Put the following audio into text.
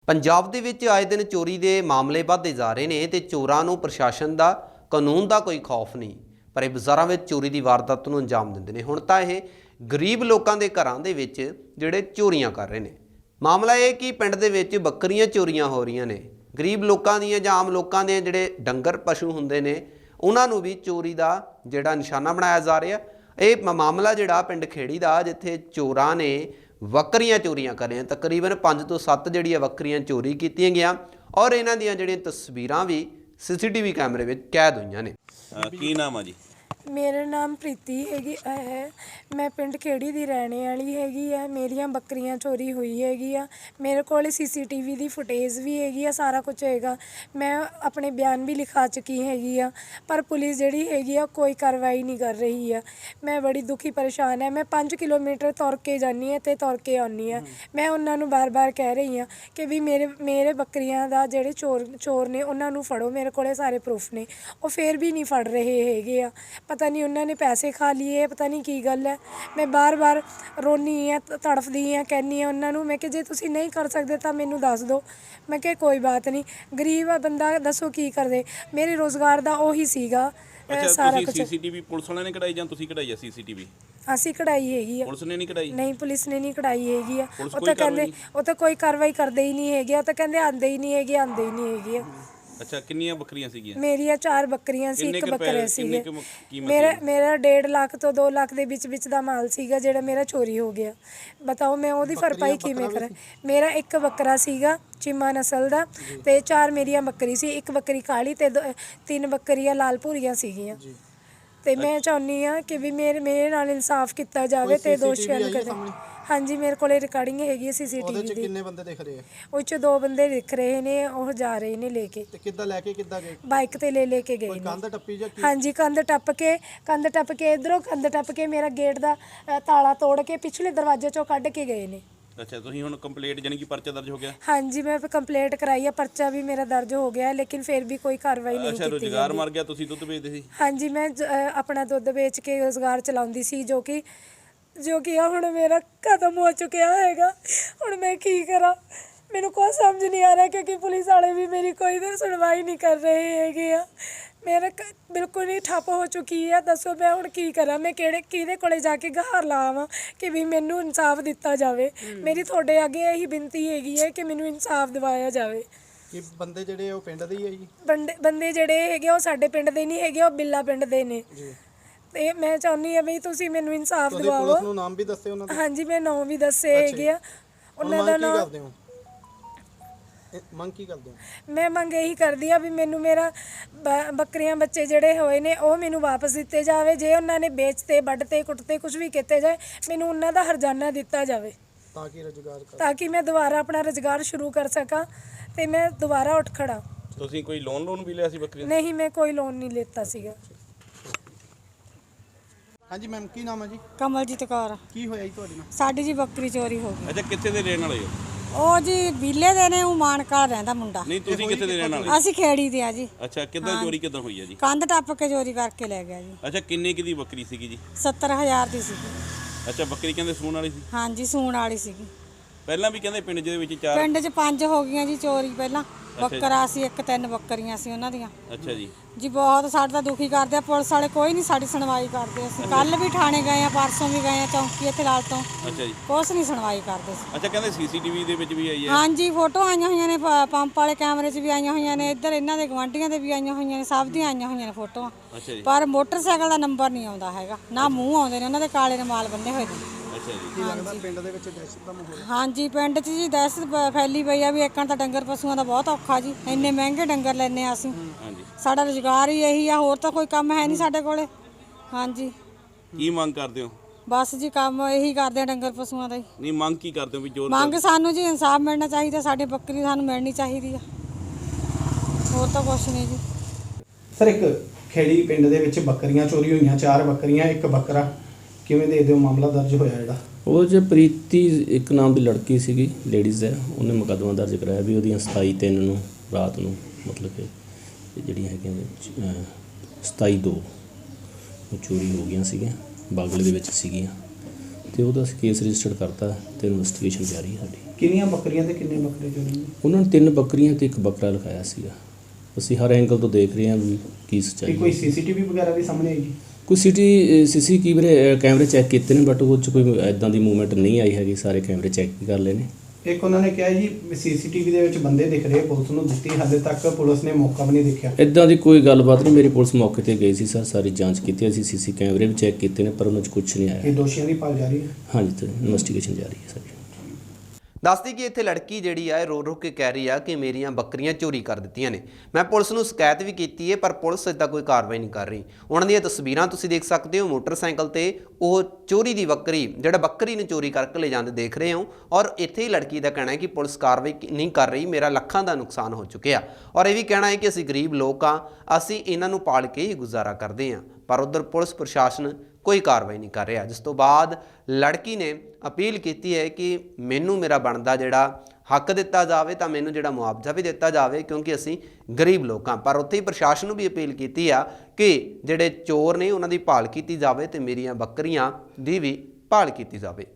ਪੰਜਾਬ ਦੇ ਵਿੱਚ ਆਏ ਦਿਨ ਚੋਰੀ ਦੇ ਮਾਮਲੇ ਵੱਧਦੇ ਜਾ ਰਹੇ ਨੇ ਤੇ ਚੋਰਾਂ ਨੂੰ ਪ੍ਰਸ਼ਾਸਨ ਦਾ ਕਾਨੂੰਨ ਦਾ ਕੋਈ ਖੌਫ ਨਹੀਂ, ਪਰ ਇਹ ਬਾਜ਼ਾਰਾਂ ਵਿੱਚ ਚੋਰੀ ਦੀ ਵਾਰਦਾਤ ਨੂੰ ਅੰਜਾਮ ਦਿੰਦੇ ਨੇ। ਹੁਣ ਤਾਂ ਇਹ ਗਰੀਬ ਲੋਕਾਂ ਦੇ ਘਰਾਂ ਦੇ ਵਿੱਚ ਜਿਹੜੇ ਚੋਰੀਆਂ ਕਰ ਰਹੇ ਨੇ। ਮਾਮਲਾ ਇਹ ਕਿ ਪਿੰਡ ਦੇ ਵਿੱਚ ਬੱਕਰੀਆਂ ਚੋਰੀਆਂ ਹੋ ਰਹੀਆਂ ਨੇ। ਗਰੀਬ ਲੋਕਾਂ ਦੀਆਂ ਜਾਂ ਆਮ ਲੋਕਾਂ ਦੇ ਜਿਹੜੇ ਡੰਗਰ ਪਸ਼ੂ ਹੁੰਦੇ ਨੇ ਉਹਨਾਂ ਨੂੰ ਵੀ ਚੋਰੀ ਦਾ ਜਿਹੜਾ ਨਿਸ਼ਾਨਾ ਬਣਾਇਆ ਜਾ ਰਿਹਾ। ਇਹ ਮਾਮਲਾ ਜਿਹੜਾ ਪਿੰਡ ਖੇੜੀ ਦਾ, ਜਿੱਥੇ ਚੋਰਾਂ ਨੇ ਬੱਕਰੀਆਂ ਚੋਰੀਆਂ ਕਰ ਰਹੇ, ਤਕਰੀਬਨ 5 ਤੋਂ 7 ਜਿਹੜੀਆਂ ਬੱਕਰੀਆਂ ਚੋਰੀ ਕੀਤੀਆਂ ਗਈਆਂ ਔਰ ਇਹਨਾਂ ਦੀਆਂ ਜਿਹੜੀਆਂ ਤਸਵੀਰਾਂ ਵੀ CCTV ਕੈਮਰੇ ਵਿੱਚ ਕੈਦ ਹੋਈਆਂ ਨੇ। ਕੀ ਨਾਮ ਆ ਜੀ? ਮੇਰਾ ਨਾਮ ਪ੍ਰੀਤੀ ਹੈ। ਮੈਂ ਪਿੰਡ ਖੇੜੀ ਦੀ ਰਹਿਣੇ ਵਾਲੀ ਹੈਗੀ ਆ। ਮੇਰੀਆਂ ਬੱਕਰੀਆਂ ਚੋਰੀ ਹੋਈ ਹੈਗੀ ਆ। ਮੇਰੇ ਕੋਲ CCTV ਦੀ ਫੁਟੇਜ ਵੀ ਹੈਗੀ ਆ, ਸਾਰਾ ਕੁਝ ਹੈਗਾ। ਮੈਂ ਆਪਣੇ ਬਿਆਨ ਵੀ ਲਿਖਾ ਚੁੱਕੀ ਹੈਗੀ ਆ, ਪਰ ਪੁਲਿਸ ਜਿਹੜੀ ਹੈਗੀ ਆ ਕੋਈ ਕਾਰਵਾਈ ਨਹੀਂ ਕਰ ਰਹੀ ਆ। ਮੈਂ ਬੜੀ ਦੁਖੀ ਪਰੇਸ਼ਾਨ ਹੈ। ਮੈਂ 5 ਕਿਲੋਮੀਟਰ ਤੁਰ ਕੇ ਜਾਂਦੀ ਹਾਂ ਅਤੇ ਤੁਰ ਕੇ ਆਉਂਦੀ ਹਾਂ। ਮੈਂ ਉਹਨਾਂ ਨੂੰ ਬਾਰ-ਬਾਰ ਕਹਿ ਰਹੀ ਹਾਂ ਕਿ ਵੀ ਮੇਰੇ ਬੱਕਰੀਆਂ ਦਾ ਜਿਹੜੇ ਚੋਰ ਨੇ ਉਹਨਾਂ ਨੂੰ ਫੜੋ। ਮੇਰੇ ਕੋਲ ਸਾਰੇ ਪ੍ਰੂਫ ਨੇ, ਉਹ ਫਿਰ ਵੀ ਨਹੀਂ ਫੜ ਰਹੇ ਹੈਗੇ ਆ। ਪਤਾ ਨਹੀਂ ਉਹਨਾਂ ਨੇ ਪੈਸੇ ਖਾ ਲਈਏ, ਪਤਾ ਨਹੀਂ ਕੀ ਗੱਲ ਹੈ। ਮੈਂ ਬਾਰ-ਬਾਰ ਰੋਨੀ ਹਾਂ, ਤੜਫਦੀ ਹਾਂ, ਕਹਿੰਦੀ ਹਾਂ ਉਹਨਾਂ ਨੂੰ। ਮੈਂ ਕਿ ਜੇ ਤੁਸੀਂ ਨਹੀਂ ਕਰ ਸਕਦੇ ਤਾਂ ਮੈਨੂੰ ਦੱਸ ਦਿਓ। ਮੈਂ ਕਿਹਾ ਕੋਈ ਬਾਤ ਨਹੀਂ, ਗਰੀਬ ਬੰਦਾ ਦੱਸੋ ਕੀ ਕਰਦੇ। ਮੇਰੇ ਰੋਜ਼ਗਾਰ ਦਾ ਉਹੀ ਸੀਗਾ ਸਾਰਾ ਕੁਝ। CCTV ਪੁਲਿਸ ਵਾਲਿਆਂ ਨੇ ਕਢਾਈ ਜਾਂ ਤੁਸੀਂ ਕਢਾਈ ਆ CCTV? ਅਸੀਂ ਕਢਾਈ ਹੈਗੀ ਆ। ਪੁਲਿਸ ਨੇ ਨਹੀਂ ਕਢਾਈ? ਨਹੀਂ, ਪੁਲਿਸ ਨੇ ਨਹੀਂ ਕਢਾਈ ਹੈਗੀ ਆ। ਉਹ ਤਾਂ ਕਹਿੰਦੇ ਉਹ ਤਾਂ ਕੋਈ ਕਾਰਵਾਈ ਕਰਦੇ ਹੀ ਨਹੀਂ ਹੈਗੇ। ਉਹ ਤਾਂ ਕਹਿੰਦੇ ਆਉਂਦੇ ਹੀ ਨਹੀਂ ਹੈਗੇ, ਆਉਂਦੇ ਹੀ ਨਹੀਂ ਹੈਗੇ। ਅੱਛਾ, ਕਿੰਨੀਆਂ ਬੱਕਰੀਆਂ ਸੀਗੀਆਂ? ਮੇਰੀਆਂ 4 ਬੱਕਰੀਆਂ ਸੀ, 1 ਬੱਕਰਾ ਸੀਗੇ। ਮੇਰਾ 1.5 ਲੱਖ ਤੋਂ 2 ਲੱਖ ਦੇ ਵਿੱਚ ਦਾ ਮਾਲ ਸੀਗਾ ਜਿਹੜਾ ਮੇਰਾ ਚੋਰੀ ਹੋ ਗਿਆ। ਬਤਾਓ ਮੈਂ ਉਹਦੀ ਭਰਪਾਈ ਕਿਵੇਂ ਕਰਾਂ। ਮੇਰਾ 1 ਬੱਕਰਾ ਸੀਗਾ ਚੀਮਾ ਨਸਲ ਦਾ ਤੇ 4 ਮੇਰੀਆਂ ਬੱਕਰੀ ਸੀ। 1 ਬੱਕਰੀ ਕਾਲੀ ਤੇ 3 ਬੱਕਰੀਆਂ ਲਾਲ ਭੂਰੀਆਂ ਸੀਗੀਆਂ। ਤੇ ਮੈਂ ਚਾਹੁੰਦੀ ਹਾਂ ਕਿ ਵੀ ਮੇਰੇ ਨਾਲ ਇਨਸਾਫ ਕੀਤਾ ਜਾਵੇ ਤੇ ਦੋਸ਼ੀਆਂ ਨੂੰ ਕਦੇ। ਹਾਂਜੀ, ਮੇਰੇ ਕੋਲ ਰਿਕਾਰਡਿੰਗ ਹੈਗੀ ਹੈ CCTV ਦੀ। ਕਿੰਨੇ ਬੰਦੇ ਦਿਖ ਰਹੇ ਆ? ਉਹ 'ਚ 2 ਬੰਦੇ ਦਿਖ ਰਹੇ ਨੇ, ਉਹ ਜਾ ਰਹੇ ਨੇ ਲੈ ਕੇ। ਤੇ ਕਿੱਦਾਂ ਲੈ ਕੇ ਕਿੱਦਾਂ ਗਏ? ਬਾਈਕ ਤੇ ਲੈ ਕੇ ਗਏ ਨੇ। ਕੰਧ ਟੱਪੀ ਜਾਂ ਕੀ? ਹਾਂਜੀ, ਕੰਧ ਟੱਪ ਕੇ ਇਧਰੋਂ ਕੰਧ ਟੱਪ ਕੇ ਮੇਰਾ ਗੇਟ ਦਾ ਤਾਲਾ ਤੋੜ ਕੇ ਪਿਛਲੇ ਦਰਵਾਜ਼ੇ ਚੋਂ ਕੱਢ ਕੇ ਗਏ ਨੇ। ਅੱਛਾ, ਤੁਸੀਂ ਹੁਣ ਕੰਪਲੇਂਟ ਜਾਨੀ ਕਿ ਪਰਚਾ ਦਰਜ ਹੋ ਗਿਆ? ਹਾਂਜੀ, ਮੈਂ ਕੰਪਲੇਂਟ ਕਰਾਈ ਆ, ਪਰਚਾ ਵੀ ਮੇਰਾ ਦਰਜ ਹੋ ਗਿਆ, ਲੇਕਿਨ ਫਿਰ ਵੀ ਕੋਈ ਕਾਰਵਾਈ ਨਹੀਂ ਕੀਤੀ। ਅੱਛਾ, ਰੁਜ਼ਗਾਰ ਮਰ ਗਿਆ। ਤੁਸੀਂ ਦੁੱਧ ਵੇਚਦੇ ਸੀ? ਹਾਂਜੀ, ਮੈਂ ਆਪਣਾ ਦੁੱਧ ਵੇਚ ਕੇ ਰੁਜ਼ਗਾਰ ਚਲਾਉਂਦੀ ਸੀ, ਜੋ ਕਿ ਹੁਣ ਮੇਰਾ ਖਤਮ ਹੋ ਚੁੱਕਿਆ ਹੈਗਾ। ਹੁਣ ਮੈਂ ਕੀ ਕਰਾਂ, ਮੈਨੂੰ ਕੋਈ ਸਮਝ ਨਹੀਂ ਆ ਰਿਹਾ, ਕਿਉਂਕਿ ਪੁਲਿਸ ਵਾਲੇ ਵੀ ਮੇਰੀ ਕੋਈ ਸੁਣਵਾਈ ਨਹੀਂ ਕਰ ਰਹੇ ਹੈਗੇ ਆ। ਮੇਰਾ ਬਿਲਕੁਲ ਹੀ ਠੱਪ ਹੋ ਚੁੱਕੀ ਹੈ। ਦੱਸੋ ਮੈਂ ਹੁਣ ਕੀ ਕਰਾਂ? ਮੈਂ ਕਿਹਦੇ ਕੋਲੇ ਜਾ ਕੇ ਗੁਹਾਰ ਲਾਵਾਂ ਕਿ ਵੀ ਮੈਨੂੰ ਇਨਸਾਫ ਦਿੱਤਾ ਜਾਵੇ। ਮੇਰੀ ਤੁਹਾਡੇ ਅੱਗੇ ਇਹੀ ਬੇਨਤੀ ਹੈਗੀ ਹੈ ਕਿ ਮੈਨੂੰ ਇਨਸਾਫ ਦਿਵਾਇਆ ਜਾਵੇ। ਕਿ ਬੰਦੇ ਜਿਹੜੇ ਉਹ ਪਿੰਡ ਦੇ ਹੀ ਆ ਜੀ? ਬੰਦੇ ਜਿਹੜੇ ਹੈਗੇ ਉਹ ਸਾਡੇ ਪਿੰਡ ਦੇ ਨਹੀਂ ਹੈਗੇ, ਉਹ ਬਿੱਲਾ ਪਿੰਡ ਦੇ ਨੇ ਜੀ। ਤੇ ਮੈਂ ਚਾਹੁੰਦੀ ਹਾਂ ਵੀ ਤੁਸੀਂ ਮੈਨੂੰ ਇਨਸਾਫ ਦਿਵਾਓ। ਪੁਲਿਸ ਨੂੰ ਨਾਮ ਵੀ ਦੱਸੇ ਉਹਨਾਂ ਦੇ? ਹਾਂਜੀ, ਮੈਂ ਨਾਮ ਵੀ ਦੱਸੇ ਹੈਗੇ ਆ ਉਹਨਾਂ ਦਾ ਨਾਮ। ਮੰਗ ਕੀ ਕਰਦੇ ਹੋ? ਮੈਂ ਮੰਗ ਇਹੀ ਕਰਦੀ ਆ ਵੀ ਮੈਨੂੰ ਮੇਰਾ ਬੱਕਰੀਆਂ ਬੱਚੇ ਜਿਹੜੇ ਹੋਏ ਨੇ ਉਹ ਮੈਨੂੰ ਵਾਪਸ ਦਿੱਤੇ ਜਾਵੇ। ਜੇ ਉਹਨਾਂ ਨੇ ਵੇਚਤੇ, ਵੱਢਤੇ, ਕੁੱਟਤੇ, ਕੁਝ ਵੀ ਕੀਤੇ ਜਾਏ, ਮੈਨੂੰ ਉਹਨਾਂ ਦਾ ਹਰਜਾਨਾ ਦਿੱਤਾ ਜਾਵੇ ਤਾਂ ਕਿ ਮੈਂ ਦੁਬਾਰਾ ਆਪਣਾ ਰੁਜ਼ਗਾਰ ਸ਼ੁਰੂ ਕਰ ਸਕਾਂ ਤੇ ਮੈਂ ਦੁਬਾਰਾ ਉੱਠ ਖੜਾ। ਤੁਸੀਂ ਕੋਈ ਲੋਨ ਵੀ ਲਿਆ ਸੀ ਬੱਕਰੀ? ਨਹੀਂ, ਮੈਂ ਕੋਈ ਲੋਨ ਨਹੀਂ ਲਿੱਤਾ ਸੀਗਾ। ਹਾਂਜੀ ਮੈਮ, ਕੀ ਨਾਮ ਹੈ ਜੀ? ਕਮਲਜੀਤ ਕੌਰ। ਕੀ ਹੋਇਆ ਜੀ ਤੁਹਾਡੇ ਨਾਲ? ਸਾਡੀ ਜੀ ਬੱਕਰੀ ਚੋਰੀ ਹੋ ਗਈ। ਅੱਛਾ, ਕਿੱਥੇ ਦੇ ਰਹਿਣ ਵਾਲੇ ਹੋ? ਉਹ ਜੀ ਬੀਲੇ ਦੇ ਨੇ, ਉਹ ਮਾਨਕਾ ਰਹਿੰਦਾ ਮੁੰਡਾ। ਨਹੀਂ, ਤੁਸੀਂ ਕਿੱਥੇ ਦੇ ਰਹਿਣ ਵਾਲੇ? ਅਸੀਂ ਖੇੜੀ ਦੇ ਆ ਜੀ। ਅੱਛਾ, ਕਿੱਦਾਂ ਚੋਰੀ ਕਿੱਦਾਂ ਹੋਈ ਹੈ ਜੀ? ਕੰਧ ਟੱਪ ਕੇ ਚੋਰੀ ਕਰਕੇ ਲੈ ਗਿਆ ਜੀ। ਅੱਛਾ, ਕਿੰਨੇ ਦੀ ਬੱਕਰੀ ਸੀਗੀ ਜੀ? 70,000 ਦੀ ਸੀਗੀ। ਅੱਛਾ, ਬੱਕਰੀ ਕਹਿੰਦੇ ਸੂਣ ਵਾਲੀ ਸੀ? ਹਾਂਜੀ, ਸੂਣ ਵਾਲੀ ਸੀਗੀ। ਪਹਿਲਾਂ ਵੀ ਕਹਿੰਦੇ ਪਿੰਡ ਦੇ ਵਿੱਚ 4 ਪਿੰਡ 'ਚ 5 ਹੋ ਗਈਆਂ ਜੀ ਚੋਰੀ। ਪਹਿਲਾਂ ਬੱਕਰਾ ਸੀ 1, 3 ਬੱਕਰੀਆਂ ਸੀ ਉਹਨਾਂ ਦੀਆਂ ਅੱਛਾ ਜੀ। ਜੀ ਬਹੁਤ ਸਾਡੇ ਤਾਂ ਦੁਖੀ ਕਰਦੇ ਆ। ਪੁਲਿਸ ਵਾਲੇ ਕੋਈ ਨਹੀਂ ਸਾਡੀ ਸੁਣਵਾਈ ਕਰਦੇ। ਅਸੀਂ ਕੱਲ ਵੀ ਥਾਣੇ ਗਏ ਆ, ਪਰਸੋਂ ਵੀ ਗਏ ਆ ਚੌਂਕੀ ਇੱਥੇ ਲਾਲ ਤੋਂ। ਅੱਛਾ ਜੀ। ਕੁਛ ਨਹੀਂ ਸੁਣਵਾਈ ਕਰਦੇ ਸੀ। ਅੱਛਾ, ਕਹਿੰਦੇ CCTV ਦੇ ਵਿੱਚ ਵੀ ਆਈ ਹੈ? ਹਾਂਜੀ, ਫੋਟੋ ਆਈਆਂ ਹੋਈਆਂ ਨੇ, ਪੰਪ ਵਾਲੇ ਕੈਮਰੇ 'ਚ ਵੀ ਆਈਆਂ ਹੋਈਆਂ ਨੇ, ਇੱਧਰ ਇਹਨਾਂ ਦੇ ਗਵਾਂਢੀਆਂ ਦੇ ਵੀ ਆਈਆਂ ਹੋਈਆਂ ਨੇ, ਸਭ ਦੀਆਂ ਆਈਆਂ ਹੋਈਆਂ ਨੇ ਫੋਟੋਆਂ। ਅੱਛਾ ਜੀ। ਪਰ ਮੋਟਰਸਾਈਕਲ ਦਾ ਨੰਬਰ ਨਹੀਂ ਆਉਂਦਾ ਹੈਗਾ, ਨਾ ਮੂੰਹ ਆਉਂਦੇ ਨੇ ਉਹਨਾਂ ਦੇ, ਕਾਲੇ ਰੁਮਾਲ ਬੰਨੇ ਹੋਏ ਨੇ। ਅੱਛਾ ਜੀ। ਕੀ ਲੱਗਦਾ ਪਿੰਡ ਦੇ ਵਿੱਚ ਦਹਿਸ਼ਤ ਦਾ ਮਾਹੌਲ? ਹਾਂਜੀ, ਪਿੰਡ 'ਚ ਜੀ ਦਹਿਸ਼ਤ ਫੈਲੀ ਪਈ ਆ ਵੀ ਇੱਕਣ ਤਾਂ ਡੰਗਰ ਪਸ਼ੂਆਂ ਦਾ ਬਹੁਤ ਔਖਾ ਜੀ। ਇੰਨੇ ਮਹਿੰਗੇ ਡੰਗਰ ਲੈਂਦੇ ਆ ਅਸੀਂ। ਹਾਂਜੀ। ਸਾਡਾ ਰੁਜ਼ਗਾਰ ਹੀ ਇਹੀ ਆ, ਹੋਰ ਤਾਂ ਕੋਈ ਕੰਮ ਹੈ ਨਹੀਂ ਸਾਡੇ ਕੋਲੇ। ਹਾਂਜੀ। ਕੀ ਮੰਗ ਕਰਦੇ ਹੋ? ਬਸ ਜੀ ਕੰਮ ਇਹੀ ਕਰਦੇ ਆ ਡੰਗਰ ਪਸ਼ੂਆਂ ਦਾ ਹੀ। ਨਹੀਂ, ਮੰਗ ਕੀ ਕਰਦੇ ਹੋ ਵੀ ਜੋ ਮੰਗ ਸਾਨੂੰ ਜੀ ਇਨਸਾਫ ਮਿਲਣਾ ਚਾਹੀਦਾ, ਸਾਡੀ ਬੱਕਰੀ ਸਾਨੂੰ ਮਿਲਣੀ ਚਾਹੀਦੀ ਆ, ਹੋਰ ਤਾਂ ਕੁਛ ਨਹੀਂ ਜੀ। ਸਰ, ਇੱਕ ਖੇੜੀ ਪਿੰਡ ਦੇ ਵਿੱਚ ਬੱਕਰੀਆਂ ਚੋਰੀ ਹੋਈਆਂ, 4 ਬੱਕਰੀਆਂ 1 ਬੱਕਰਾ, ਕਿਵੇਂ ਦੇ ਦਿਓ ਮਾਮਲਾ ਦਰਜ ਹੋਇਆ ਜਿਹੜਾ? ਉਹ ਜੇ ਪ੍ਰੀਤੀ ਇੱਕ ਨਾਮ ਦੀ ਲੜਕੀ ਸੀਗੀ, ਲੇਡੀਜ਼ ਹੈ, ਉਹਨੇ ਮੁਕੱਦਮਾ ਦਰਜ ਕਰਾਇਆ ਵੀ ਉਹਦੀਆਂ 27/3 ਨੂੰ ਰਾਤ ਨੂੰ, ਮਤਲਬ ਕਿ ਜਿਹੜੀਆਂ ਹੈਗੀਆਂ 27/2 ਚੋਰੀ ਹੋ ਗਈਆਂ ਸੀਗੀਆਂ, ਬਾਗਲੇ ਦੇ ਵਿੱਚ ਸੀਗੀਆਂ, ਤੇ ਉਹਦਾ ਕੇਸ ਰਜਿਸਟਰ ਕਰਤਾ ਤੇ ਇਨਵੈਸਟੀਗੇਸ਼ਨ ਜਾਰੀ ਹੈ ਸਾਡੀ। ਕਿੰਨੀਆਂ ਬੱਕਰੀਆਂ ਤੇ ਕਿੰਨੇ ਬੱਕਰੇ ਚੋਰੀ ਨੇ? ਉਹਨਾਂ ਨੇ 3 ਬੱਕਰੀਆਂ ਤੇ 1 ਬੱਕਰਾ ਲਿਖਾਇਆ ਸੀਗਾ। ਅਸੀਂ ਹਰ ਐਂਗਲ ਤੋਂ ਦੇਖ ਰਹੇ ਹਾਂ ਵੀ ਕੀ ਸੱਚਾਈ ਕੀ ਕੋਈ ਸੀਸੀਟੀਵੀ ਵਗੈਰਾ ਵੀ ਸਾਹਮਣੇ ਆਈ ਜੀ? ਕੋਈ ਸੀਸੀ ਕੈਮਰੇ ਚੈੱਕ ਕੀਤੇ ਨੇ, ਬਟ ਉਹ 'ਚ ਕੋਈ ਐਦਾਂ ਦੀ ਮੂਵਮੈਂਟ ਨਹੀਂ ਆਈ ਹੈਗੀ। ਸਾਰੇ ਕੈਮਰੇ ਚੈੱਕ ਕਰ ਲਏ ਨੇ। ਇੱਕ ਉਹਨਾਂ ਨੇ ਕਿਹਾ ਜੀ ਸੀਸੀਟੀਵੀ ਦੇ ਵਿੱਚ ਬੰਦੇ ਦਿਖ ਰਹੇ, ਪੁਲਿਸ ਨੂੰ ਦਿੱਤੀ, ਹਾਲੇ ਤੱਕ ਪੁਲਿਸ ਨੇ ਮੌਕਾ ਵੀ ਨਹੀਂ ਦੇਖਿਆ। ਇੱਦਾਂ ਦੀ ਕੋਈ ਗੱਲਬਾਤ ਨਹੀਂ। ਮੇਰੀ ਪੁਲਿਸ ਮੌਕੇ ਤੇ ਗਈ ਸੀ ਸਰ, ਸਾਰੀ ਜਾਂਚ ਕੀਤੀ, ਅਸੀਂ ਸੀਸੀ ਕੈਮਰੇ ਵੀ ਚੈੱਕ ਕੀਤੇ ਨੇ, ਪਰ ਉਹਨਾਂ 'ਚ ਕੁਝ ਨਹੀਂ ਇਹ ਆਇਆ। ਦੋਸ਼ੀਆਂ ਦੀ ਭਾਲ ਜਾਰੀ ਹੈ। ਹਾਂਜੀ, ਤੇ ਇਨਵੈਸਟੀਗੇਸ਼ਨ ਜਾਰੀ ਹੈ ਸਾਡੀ। ਦੱਸਦੀ ਕਿ ਇੱਥੇ ਲੜਕੀ ਜਿਹੜੀ ਆ ਰੋ ਰੋ ਕੇ ਕਹਿ ਰਹੀ ਆ ਕਿ ਮੇਰੀਆਂ ਬੱਕਰੀਆਂ ਚੋਰੀ ਕਰ ਦਿੱਤੀਆਂ ਨੇ। ਮੈਂ ਪੁਲਿਸ ਨੂੰ ਸ਼ਿਕਾਇਤ ਵੀ ਕੀਤੀ ਹੈ, ਪਰ ਪੁਲਿਸ ਇੱਦਾਂ ਕੋਈ ਕਾਰਵਾਈ ਨਹੀਂ ਕਰ ਰਹੀ। ਉਹਨਾਂ ਦੀਆਂ ਤਸਵੀਰਾਂ ਤੁਸੀਂ ਦੇਖ ਸਕਦੇ ਹੋ। ਮੋਟਰਸਾਈਕਲ ਤੇ ਉਹ ਚੋਰੀ ਦੀ ਬੱਕਰੀ, ਜਿਹੜਾ ਬੱਕਰੀ ਨੂੰ ਚੋਰੀ ਕਰਕੇ ਲੈ ਜਾਂਦੇ ਦੇਖ ਰਹੇ ਹੋ। ਔਰ ਇੱਥੇ ਹੀ ਲੜਕੀ ਦਾ ਕਹਿਣਾ ਹੈ ਕਿ ਪੁਲਿਸ ਕਾਰਵਾਈ ਨਹੀਂ ਕਰ ਰਹੀ, ਮੇਰਾ ਲੱਖਾਂ ਦਾ ਨੁਕਸਾਨ ਹੋ ਚੁੱਕਿਆ। ਔਰ ਇਹ ਵੀ ਕਹਿਣਾ ਹੈ ਕਿ ਅਸੀਂ ਗਰੀਬ ਲੋਕ ਆ, ਅਸੀਂ ਇਹਨਾਂ ਨੂੰ ਪਾਲ ਕੇ ਹੀ ਗੁਜ਼ਾਰਾ ਕਰਦੇ ਹਾਂ। ਪਰ ਉੱਧਰ ਪੁਲਿਸ ਪ੍ਰਸ਼ਾਸਨ ਕੋਈ ਕਾਰਵਾਈ ਨਹੀਂ ਕਰ ਰਿਹਾ, ਜਿਸ ਤੋਂ ਬਾਅਦ ਲੜਕੀ ਨੇ ਅਪੀਲ ਕੀਤੀ ਹੈ ਕਿ ਮੈਨੂੰ ਮੇਰਾ ਬਣਦਾ ਜਿਹੜਾ ਹੱਕ ਦਿੱਤਾ ਜਾਵੇ, ਤਾਂ ਮੈਨੂੰ ਜਿਹੜਾ ਮੁਆਵਜ਼ਾ ਵੀ ਦਿੱਤਾ ਜਾਵੇ, ਕਿਉਂਕਿ ਅਸੀਂ ਗਰੀਬ ਲੋਕ ਹਾਂ। ਪਰ ਉੱਥੇ ਹੀ ਪ੍ਰਸ਼ਾਸਨ ਨੂੰ ਵੀ ਅਪੀਲ ਕੀਤੀ ਆ ਕਿ ਜਿਹੜੇ ਚੋਰ ਨੇ ਉਹਨਾਂ ਦੀ ਭਾਲ ਕੀਤੀ ਜਾਵੇ ਤੇ ਮੇਰੀਆਂ ਬੱਕਰੀਆਂ ਦੀ ਵੀ ਭਾਲ ਕੀਤੀ ਜਾਵੇ।